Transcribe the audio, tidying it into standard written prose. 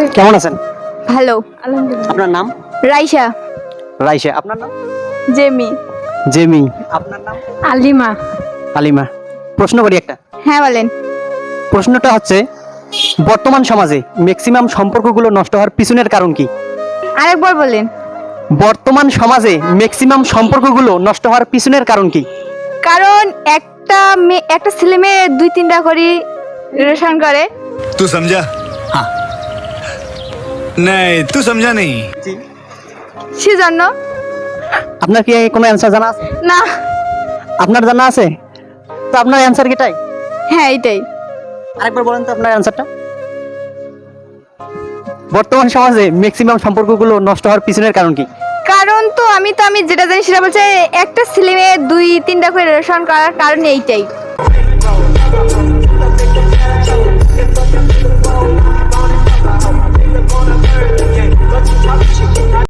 কেমন আছেন? ভালো আলহামদুলিল্লাহ। আপনার নাম? রাইসা। রাইসা। আপনার নাম? জেমি। জেমি। আপনার নাম? আলিমা। আলিমা। প্রশ্ন করি একটা। হ্যাঁ বলেন। প্রশ্নটা হচ্ছে, বর্তমান সমাজে ম্যাক্সিমাম সম্পর্কগুলো নষ্ট হওয়ার পিছনের কারণ কি? আরেকবার বলেন। বর্তমান সমাজে ম্যাক্সিমাম সম্পর্কগুলো নষ্ট হওয়ার পিছনের কারণ কি? কারণ একটা ছেলে মেয়ে 2-3টা করে রিলেশন করে। तू समझा? हाँ। नहीं तू समझा नहीं। সেজন্য। আপনার কি কোনো অ্যান্সার জানা আছে? না। আপনার জানা আছে? তো আপনার অ্যান্সার কি এটাই? হ্যাঁ এটাই। আরেকবার বলেন তো আপনার অ্যান্সারটা। বর্তমান সমাজে ম্যাক্সিমাম সম্পর্কগুলো নষ্ট হওয়ার পিছনের কারণ কি? কারণ তো আমি যেটা জানি সেটা বলছে একটা ছেলে মেয়ে 2-3টা করে রিলেশন করার কারণ এইটাই।